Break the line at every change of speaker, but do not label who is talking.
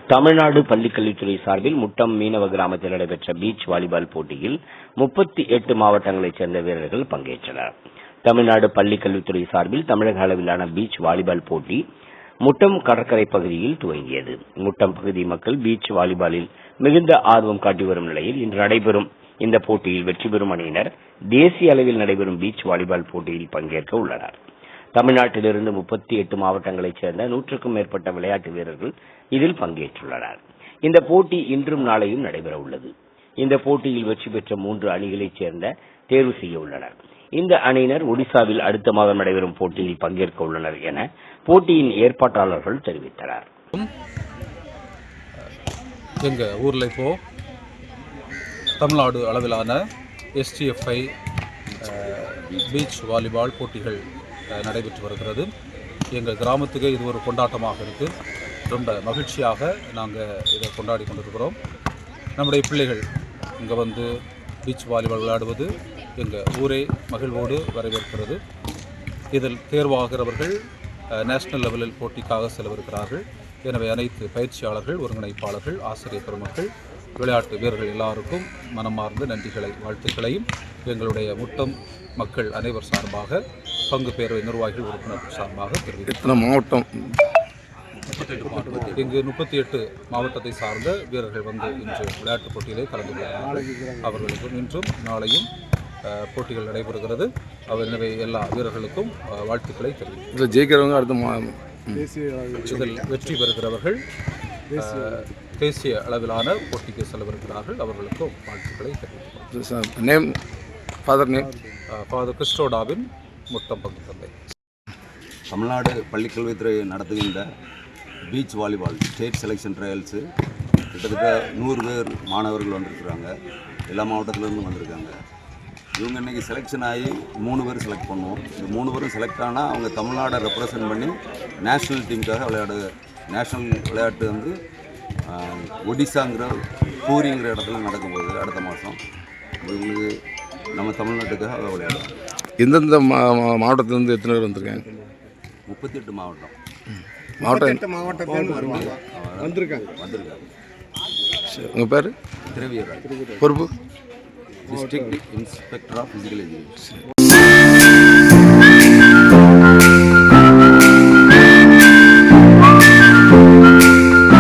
தமிழ்நாடு பள்ளிக்கல்வித்துறை சார்பில் முட்டம் மீனவ கிராமத்தில் நடைபெற்ற பீச் வாலிபால் போட்டியில் 38 மாவட்டங்களைச் சேர்ந்த வீரர்கள் பங்கேற்றனர். தமிழ்நாடு பள்ளிக்கல்வித்துறை சார்பில் தமிழக அளவிலான பீச் வாலிபால் போட்டி முட்டம் கடற்கரை பகுதியில் துவங்கியது. முட்டம் பகுதி மக்கள் பீச் வாலிபாலில் மிகுந்த ஆர்வம் காட்டி வரும் நிலையில் இன்று நடைபெறும் இந்த போட்டியில் வெற்றி பெறும் அணியினர் தேசிய அளவில் நடைபெறும் பீச் வாலிபால் போட்டியில் பங்கேற்க உள்ளனர். தமிழ்நாட்டிலிருந்து 38 மாவட்டங்களைச் சேர்ந்த 100க்கும் மேற்பட்ட விளையாட்டு வீரர்கள் இதில் பங்கேற்றுள்ளனர். இந்த போட்டி இன்றும் நாளையும் நடைபெற உள்ளது. இந்த போட்டியில் வெற்றி பெற்ற 3 அணிகளைச் சேர்ந்த தேர்வு செய்ய உள்ளனர். இந்த அணியினர் ஒடிசாவில் அடுத்த மாதம் நடைபெறும் போட்டியில் பங்கேற்க உள்ளனர் என போட்டியின் ஏற்பாட்டாளர்கள் தெரிவித்தனர்.
எங்க ஊர்ல இப்போ தமிழ்நாடு அளவிலான STFI பீச் வாலிபால் போட்டிகள் நடைபெற்று வருகிறது. எங்கள் கிராமத்துக்கு இது ஒரு கொண்டாட்டமாக இருக்குது. ரொம்ப மகிழ்ச்சியாக நாங்கள் இதை கொண்டாடி கொண்டிருக்கிறோம். நம்முடைய பிள்ளைகள் இங்கே வந்து பீச் வாலிபால் விளையாடுவது எங்கள் ஊரே மகிழ்வோடு வரவேற்கிறது. இதில் தேர்வாகிறவர்கள் நேஷனல் லெவலில் போட்டிக்காக செலவிருக்கிறார்கள். எனவே அனைத்து பயிற்சியாளர்கள், ஒருங்கிணைப்பாளர்கள், ஆசிரியர் பெருமக்கள், விளையாட்டு வீரர்கள் எல்லாருக்கும் மனமார்ந்த நன்றிகளை, வாழ்த்துக்களையும் எங்களுடைய முட்டம் மக்கள் அனைவர் சார்பாக, பங்கு பேரவை நிர்வாகிகள், உறுப்பினர்கள் சார்பாக தெரிவிக்கிறோம்.
மாவட்டம்
இங்கு 38 மாவட்டத்தை சார்ந்த வீரர்கள் வந்து இன்று விளையாட்டுப் போட்டியிலே கலந்து கொள்கிறார்கள். அவர்களுக்கும் இன்றும் நாளையும் போட்டிகள் நடைபெறுகிறது. எனவே எல்லா வீரர்களுக்கும் வாழ்த்துக்களை தெரிவிக்கிறோம்.
ஜெயிக்கிறவங்க அடுத்த
இதில் வெற்றி பெறுகிறவர்கள் தேசிய அளவிலான போட்டிக்கு செலவிருக்கிறார்கள். அவர்களுக்கும் வாழ்த்துக்களை தெரிவிக்கிறோம். ஃபாதர் கிறிஸ்டோடாவின் முட்டம் பங்கு தந்தை.
தமிழ்நாடு பள்ளிக்கல்வித்துறை நடத்துகின்ற beach volleyball state selection trials கிட்டத்தட்ட 100 பேர் மாணவர்கள் வந்திருக்கிறாங்க. எல்லா மாவட்டத்திலேருந்து வந்திருக்காங்க. இவங்க இன்றைக்கி செலெக்ஷன் ஆகி 3 பேர் செலக்ட் பண்ணுவோம். இந்த 3 பேரும் செலக்ட் ஆனால் அவங்க தமிழ்நாடை ரெப்ரசன்ட் பண்ணி நேஷ்னல் டீமுக்காக நேஷ்னல் விளையாட்டு வந்து ஒடிசாங்கிற பூரிங்கிற இடத்துல நடக்கும்போது அடுத்த மாதம் இவங்களுக்கு நம்ம தமிழ்நாட்டுக்காக விளையாடுவோம்.
எந்தெந்த மாவட்டத்திலேருந்து எத்தனை பேர் வந்திருக்காங்க?
38 மாவட்டம்.
வந்திருக்காங்க. உங்கள் பேர்?
திரவியராஜ்.
பொறுப்பு?
District inspector of physical education.